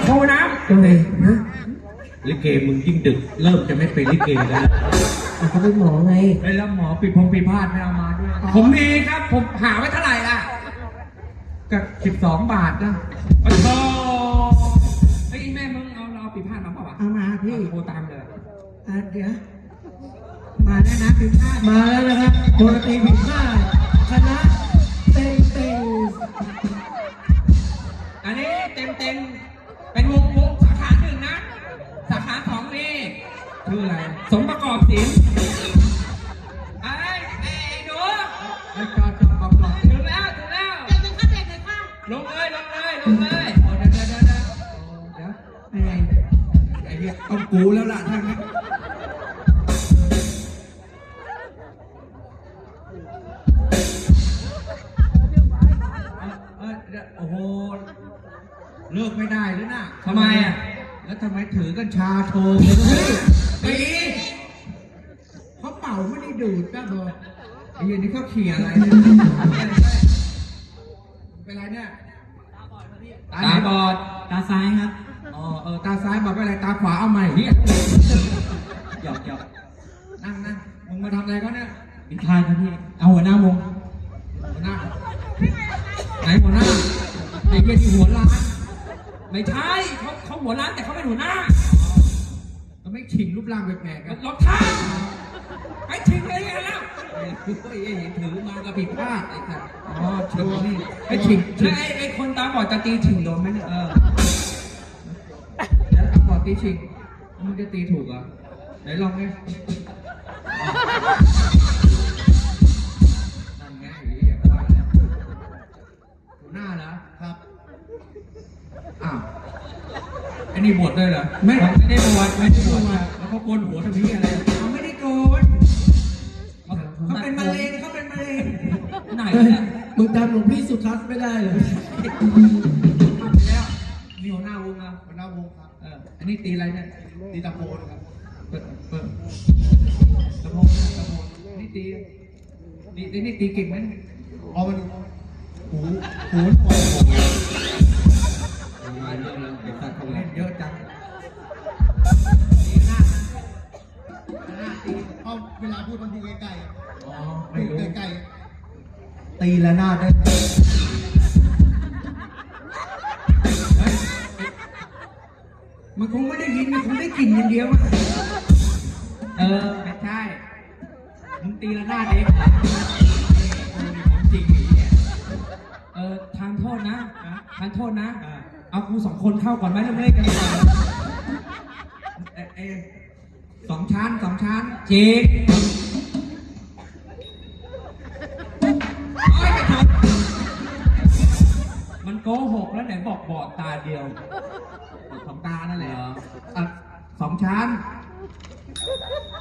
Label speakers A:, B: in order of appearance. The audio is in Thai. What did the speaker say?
A: ครูนะ
B: ทำไมฮะ
A: ลิเกมึงยิ่งดึกเริ่มจะไม่เป็นลิเกแล้ว
B: เขาเป็นหมอไง
A: แล้วหมอปีพงปีพาดไม่เอามาด้วยผมมีครับผมหาไว้เท่าไหร่ล่ะก็12 บาทนะโอ้โหไอ้แม่มึงเอาปีพาดมาเปล่าวะ
B: เอามาพี่
A: โทรตามเลย
B: เดี๋ยวมาแล้วนะผิดพลาดมาแล้วนะครับโดนตีผิดพลาดคณะเต็งเต็ง
A: อันนี้เต็มเป็นวงสาขาหนึ่งนะสาขาสองนี่ชื่ออะไรสมประกอบศิลป์ไอ้หนูไอ้จอดถึงแล้วลงเลยโอ้เดี๋ยว
B: อะไร
A: ไอ้เหี้ยต้องกูแล้วล่ะท่านนะโอ้โหเลิกไม่ได้แล้วนะทำไมอ่ะแล้วทำไมถือกัญชาโชว์ตีเขาเป่าไม่ได้ดูดก็พอไอ้เหี้ยนี่เขาเขี่ยอะไรเป็นไรเนี่ยตาบอดตาซ้ายครับตาซ้ายบอกว่าอะไรตาขวาเอาใหม่เฮียหยอกนั่งมึงมาทำอะไรเขาเนี่ยปิดท้ายครับพี่เอาหัวหน้าวงหัวหน้าไหนหัวหน้าไอ้เหี้ยที่หัวล้านไม่ใช่เขาหัวล้านแต่เขาเป็นหัวหน้าก็ไม่ชิงรูปร่างแปลกๆกันรองเท้าไอ้ชิงเลยกันแล้วไอ้ถือมากับผิดพลาดไอ้สัสชิงนี่ไอ้ชิงไอ้คนตาบอดจะตีชิงโดนไหมเนี่ยแล้วตาบอดตีชิงมึงจะตีถูกเหรอไหนลองดินั่นไงหัวหน้าเหรอครับอ้าวไอ้นี่บวชด้วยเหรอไม่ได้บวชแล้วเขาโกนหัวทำนี้อะไรเขาไม่ได้โกนเขาเป็นมะเร็งไหนเนี่ย
B: มึงจำหลวงพี่สุทัศน์ไม่ได้เลย
A: ทำไปแล้วมีหัวหน้าวงนะหัวหน้าวงครับอันนี้ตีอะไรเนี่ยตีตะโพนครับเปิดตะโพนนี่ตีเก่งไหมอ๋อมันหูอ่อนมาเยอะเลยเด็กสัตว์ของเล่นเยอะจังตีหน้าตีเพราะเวลาพูดมันพูดใกล้ๆอ๋อไม่รู้ใกล้ๆตีละหน้าได้มันคงไม่ได้ยินมันคงได้กลิ่นอย่างเดียวไม่ใช่มึงตีละหน้าเด็กของจริงเนี่ยทานโทษนะเอากู2 คนเข้าก่อนไหมเริ่มเล่นกันก่อน2 ชั้นจีบมันโกหกแล้วไหนบอกบอดตาเดียว2 ตานั่นแหละ2 ชั้น